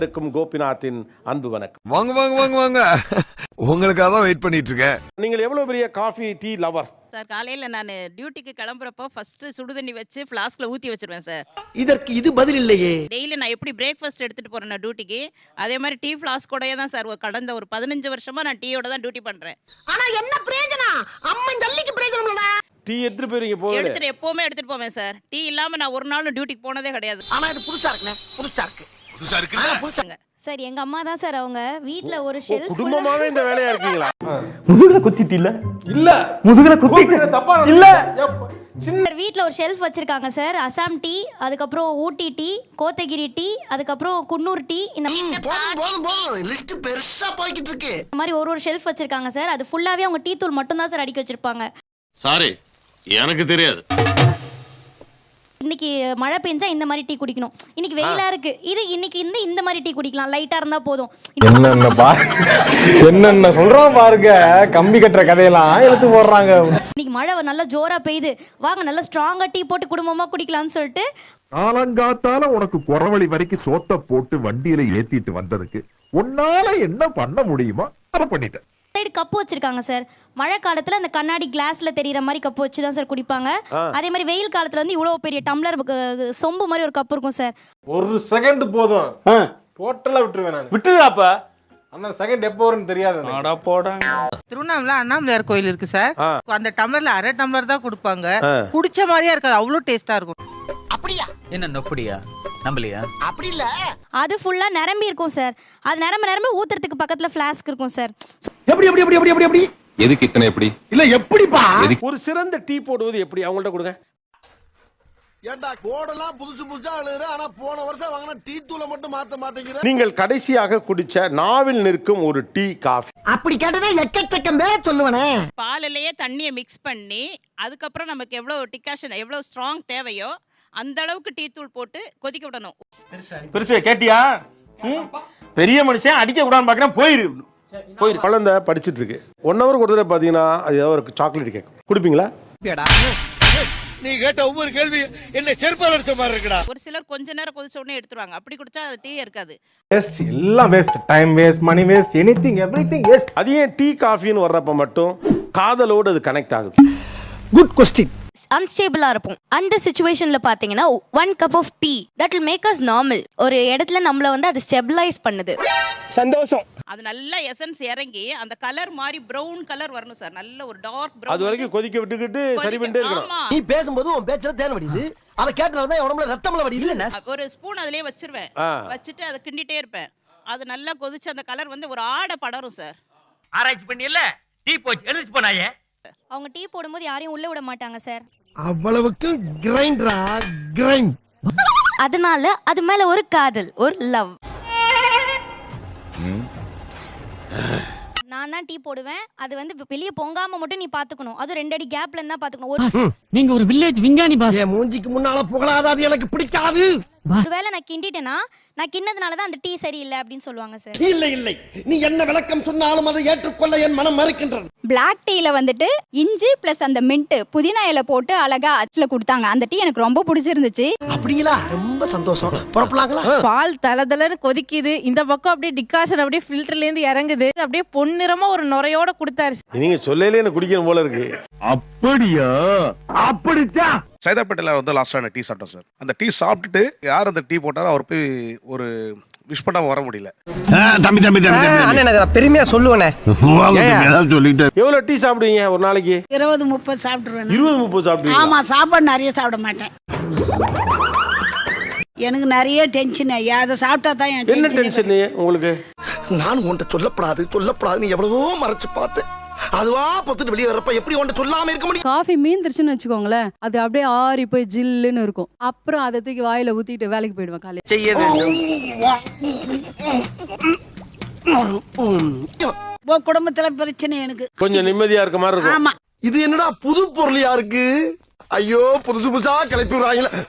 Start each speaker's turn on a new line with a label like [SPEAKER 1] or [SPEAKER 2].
[SPEAKER 1] கோபிநாத்தின் அன்பு வணக்கம்.
[SPEAKER 2] வாங்க வாங்க வாங்க வாங்க, உங்களுக்காக தான் வெயிட் பண்ணிட்டு இருக்கேன்.
[SPEAKER 1] நீங்கள் எவ்வளவு பெரிய காஃபி டீ லவர்
[SPEAKER 3] சார்? காலையில் நான் டியூட்டிக்கு கிளம்புறப்போ ஃபர்ஸ்ட் சுடுதண்ணி வச்சு ஃப்ளாஸ்கில் ஊற்றி வச்சிருவேன் சார்.
[SPEAKER 4] இதற்கு இது பதில் இல்லையே.
[SPEAKER 3] டெய்லி நான் எப்படி பிரேக்ஃபாஸ்ட் எடுத்துகிட்டு போகிறேன் நான் டியூட்டிக்கு, அதே மாதிரி டீ ஃப்ளாஸ்கோடயே தான் சார் கடந்த ஒரு 15 வருஷமா நான் டீயோட தான் டியூட்டி பண்ணுறேன்.
[SPEAKER 5] ஆனால் என்ன பிரயோஜனம்? அம்மா ஜல்லிக்கு பிரயோஜனம்.
[SPEAKER 1] டீ எடுத்துட்டு போறீங்க?
[SPEAKER 3] எடுத்துட்டு எப்போவுமே எடுத்துகிட்டு போவேன் சார். டீ இல்லாமல் நான் ஒரு நாள் டியூட்டிக்கு போனதே கிடையாது.
[SPEAKER 5] ஆனால் இது புதுசாக இருக்குண்ணே, புதுசாக இருக்கு.
[SPEAKER 6] சார் எங்க அம்மா தான் சார், அவங்க வீட்ல ஒரு ஷெல்ஃப்
[SPEAKER 1] குடும்பமாவே இந்த வேலையா இருக்கீங்களா?
[SPEAKER 7] முதுகுல குத்திட்டு இல்ல முதுகுல குத்திட்டு தப்பா இல்ல.
[SPEAKER 6] சார் வீட்ல ஒரு ஷெல்ஃப் வச்சிருக்காங்க சார். அசாம் டீ, அதுக்கப்புறம் ஊட்டி டீ, கோத்தகிரி டீ, அதுக்கப்புறம் குன்னூர் டீ, இந்த
[SPEAKER 4] போதும் லிஸ்ட் பெருசா போய்கிட்டு இருக்கு.
[SPEAKER 6] மாதிரி ஒரு ஷெல்ஃப் வச்சிருக்காங்க சார். அது ஃபுல்லாவே அவங்க டீ தூள் மட்டும் தான் சார் அடிக்க வச்சிருப்பாங்க.
[SPEAKER 8] சாரி, எனக்கு தெரியாது.
[SPEAKER 6] இன்னைக்கு மழை பெஞ்சா இந்த மாதிரி டீ குடிக்கணும், இன்னைக்கு வெயிலா இருக்கு இது இன்னைக்கு இந்த மாதிரி டீ குடிக்கலாம், லைட்டா இருந்தா போதும்.
[SPEAKER 7] என்னென்ன சொல்றோம் பாருங்க, கம்பி கட்டுற கதையெல்லாம் எடுத்து போடுறாங்க.
[SPEAKER 6] இன்னைக்கு மழை நல்லா ஜோரா பெய்யுது, வாங்க நல்லா ஸ்ட்ராங்கா டீ போட்டு குடும்பமா குடிக்கலாம்னு சொல்லிட்டு
[SPEAKER 9] காலங்காத்தால உனக்கு குறவழி வரைக்கும் சோத்த போட்டு வண்டியில ஏத்திட்டு வந்ததுக்கு உன்னால என்ன பண்ண முடியுமோ அதை பண்ணிட்டேன்.
[SPEAKER 6] சைடு கப்பு வச்சிருக்காங்க சார். மழை காலத்துல அந்த கண்ணாடி கிளாஸ்ல தெரியற மாதிரி கப்பு வச்சு தான் சார் குடிப்பாங்க. அதே மாதிரி வெயில் காலத்துல வந்து இவ்வளவு பெரிய டம்ளர் சொம்பு மாதிரி ஒரு கப் இருக்கும் சார்.
[SPEAKER 7] ஒரு செகண்ட் போதும், டோட்டலா விட்டுருவேன் நான். விட்டுறாப்ப அந்த செகண்ட் எப்போ வரும்னு தெரியாது.
[SPEAKER 10] திருவண்ணாமலை அண்ணாமலையார் கோயில் இருக்கு சார். அந்த டம்ளர்ல அரை டம்ளர் தான் கொடுப்பாங்க. குடிச்ச மாதிரியா இருக்காது, அவ்வளவு டேஸ்டா இருக்கும்.
[SPEAKER 4] அப்படியா?
[SPEAKER 11] என்ன நொப்படியா நம்பலையா?
[SPEAKER 4] அப்படி இல்ல,
[SPEAKER 6] அது ஃபுல்லா நிரம்பி இருக்கும் சார். அது நிரம்ப ஊத்துறதுக்கு பக்கத்துல ஃப்ளாஸ்க் இருக்கும் சார்.
[SPEAKER 9] எப்படி எப்படி எப்படி எப்படி எப்படி
[SPEAKER 8] எதுக்கு இத்தனை எப்படி
[SPEAKER 9] இல்ல எப்படிப்பா?
[SPEAKER 1] ஒரு சிறந்த டீ போடுவது எப்படி? அவங்கள்ட்ட கொடுங்க.
[SPEAKER 4] ஏண்டா கோடெல்லாம் புதுசு புதுசா எழுதுற, ஆனா போன வருஷம் வாங்கின டீ தூளை மட்டும் மாத்த மாட்டேங்கிற.
[SPEAKER 1] நீங்கள் கடைசியாக குடிச்ச நாவில் நிற்கும் ஒரு டீ காஃபி.
[SPEAKER 5] அப்படி கேட்டதா எக்கச்சக்கம் பேர சொல்லுவனே.
[SPEAKER 3] பாலிலேயே தண்ணியை மிக்ஸ் பண்ணி அதுக்கப்புறம் நமக்கு எவ்வளோ டிகாஷன் எவ்வளோ ஸ்ட்ராங் தேவையோ அந்த அளவுக்கு டீ தூள் போட்டு கொதிக்க விடணும்.
[SPEAKER 7] பெருசு கேட்டியா? பெரிய மனுஷன் அடிக்க கூடாதுன்னு பாக்குறேன். போயிரு.
[SPEAKER 1] குழந்தை படிச்சுட்டு இருக்கு. 1 hour கொடுத்தா பாத்தீங்கன்னா அது ஏதாவது ஒரு சாக்லேட் கேட்கும், குடிப்பீங்களா?
[SPEAKER 4] நீ கேட்ட ஒவ்வொரு கேள்வி என்ன செருப்பால அடிச்ச மாதிரி இருக்குடா.
[SPEAKER 3] ஒரு சிலர் கொஞ்ச நேரம் கொதிச்ச உடனே எடுத்துருவாங்க. அப்படி குடிச்சா அது டீ இருக்காது.
[SPEAKER 7] வேஸ்ட், எல்லாம் waste. Time waste, money waste, anything everything waste.
[SPEAKER 1] அது ஏன் டீ காஃபின்னு வர்றப்ப மட்டும் காதலோடு அது கனெக்ட் ஆகுது?
[SPEAKER 7] Good question.
[SPEAKER 6] அன்ஸ்டேபிளா இருப்போம். அந்த சிச்சுவேஷன்ல பாத்தீங்கன்னா 1 cup of tea that will make us normal. ஒரு இடத்துல நம்மள வந்து அது ஸ்டெபிலைஸ் பண்ணுது.
[SPEAKER 7] சந்தோஷம்.
[SPEAKER 3] அது நல்ல எசன்ஸ் இறங்கி அந்த கலர் மாதிரி பிரவுன் கலர் வரணும் சார். நல்ல ஒரு டார்க் பிரவுன்.
[SPEAKER 1] அது வரைக்கும் கொதிக்க விட்டுக்கிட்டு சரி பண்ணிட்டே இருக்கணும்.
[SPEAKER 4] நீ பேசும்போது உன் பேச்சல தேன் வடியுது, அத கேட்டனால தான் உடம்புல ரத்தம்ல வடியுது. இல்ல
[SPEAKER 3] ஒரு ஸ்பூன் அதிலே வச்சிருவேன், வச்சுட்டு அதை கிண்டிட்டே இருப்பேன். அது நல்லா கொதிச்சு அந்த கலர் வந்து ஒரு ஆடை படரும் சார்.
[SPEAKER 8] ஆராய்ச்சி பண்ணி இல்ல டீ போச்சு எழுதி போனாயே.
[SPEAKER 6] அவங்க டீ போடும்போது யாரையும் உள்ள விட மாட்டாங்க சார்.
[SPEAKER 4] அவ்வளவுக்கு கிரைண்டரா கிரைண்ட்.
[SPEAKER 6] அதனால அது மேல ஒரு காதல், ஒரு லவ். நான் தான் டீ போடுவேன். அது வந்து வெளியே பொங்காம மட்டும் நீ பாத்துக்கணும். அது 2 அடி கேப்ல இருந்தா பாத்துக்கணும்.
[SPEAKER 5] நீங்க ஒரு வில்லேஜ் விஞ்ஞானி பாஸ்.
[SPEAKER 4] என் மூஞ்சிக்கு முன்னால புகழாத, அது எனக்கு பிடிக்காது.
[SPEAKER 6] ஒருவேளை நான் கிண்டிட்டேனா, நான் கிண்ணதுனால தான் அந்த டீ சரியில்லை அப்படின்னு சொல்லுவாங்க சார்.
[SPEAKER 4] இல்லை இல்லை, நீ என்ன விளக்கம் சொன்னாலும் அதை ஏற்றுக்கொள்ள என் மனம் மறுக்கின்றது.
[SPEAKER 6] பிளாக் டீல வந்துட்டு இஞ்சி பிளஸ் அந்த மின்ட் புதினா இலை போட்டு அழகா அச்சுல கொடுத்தாங்க. அந்த டீ எனக்கு ரொம்ப பிடிச்சிருந்துச்சு.
[SPEAKER 4] அப்படிங்களா? ரொம்ப சந்தோஷம். புறப்படலாங்களா?
[SPEAKER 10] பால் தலதலன்னு கொதிக்குது, இந்த பக்கம் அப்படியே டிகாஷன் அப்படியே ஃபில்டர்ல இருந்து இறங்குது, அப்படியே பொன்னிறமா ஒரு நுரையோட கொடுத்தாரு.
[SPEAKER 1] நீங்க சொல்லலே எனக்கு குடிக்கணும் போல இருக்கு.
[SPEAKER 9] அப்படியா? அப்படிச்சா?
[SPEAKER 12] சைதாப்பேட்டையில் வந்து லாஸ்ட்டாக டீ சாப்பிட்டோம் சார். அந்த டீ சாப்பிட்டுட்டு யார் அந்த டீ போட்டாரோ அவர் போய் ஒரு விஷ் பண்ணாம வர முடியல.
[SPEAKER 4] தம்பி தம்பி தம்பி நான் பெருமையா சொல்லுவேனே.
[SPEAKER 9] சொல்லிட்டு
[SPEAKER 1] எவ்வளவு டீ சாப்பிடுவீங்க ஒரு நாளைக்கு?
[SPEAKER 5] 20-30 சாப்பிட்டுருவேன்.
[SPEAKER 1] 20-30 சாப்பிடுவீங்க?
[SPEAKER 5] ஆமா, சாப்பாடு நிறைய சாப்பிட மாட்டேன். எனக்கு நிறைய டென்ஷன். அதை சாப்பிட்டா தான்
[SPEAKER 1] என்ன டென்ஷன் உங்களுக்கு?
[SPEAKER 4] நான் உன்கிட்ட சொல்லப்படாது நீ எவ்வளவோ மறைச்சு பார்த்து அதுவா பொத்துட்டு வெளியே வரப்ப எப்படி உன்கிட்ட சொல்லாம இருக்க முடியும்?
[SPEAKER 10] காஃபி மீந்துருச்சுன்னு வச்சுக்கோங்களேன், அது அப்படியே ஆறி போய் ஜில்லுன்னு இருக்கும். அப்புறம் அதை தூக்கி வாயில ஊத்திட்டு வேலைக்கு போயிடுவேன். காலையில
[SPEAKER 11] செய்ய வேண்டும்.
[SPEAKER 5] குடும்பத்துல பிரச்சனை எனக்கு.
[SPEAKER 1] கொஞ்சம் நிம்மதியா இருக்க மாதிரி இருக்கும்.
[SPEAKER 5] ஆமா.
[SPEAKER 4] இது என்னடா புது பொருளியா இருக்கு? ஐயோ, புதுசு புதுசா கிளப்பி விடுறாங்களே.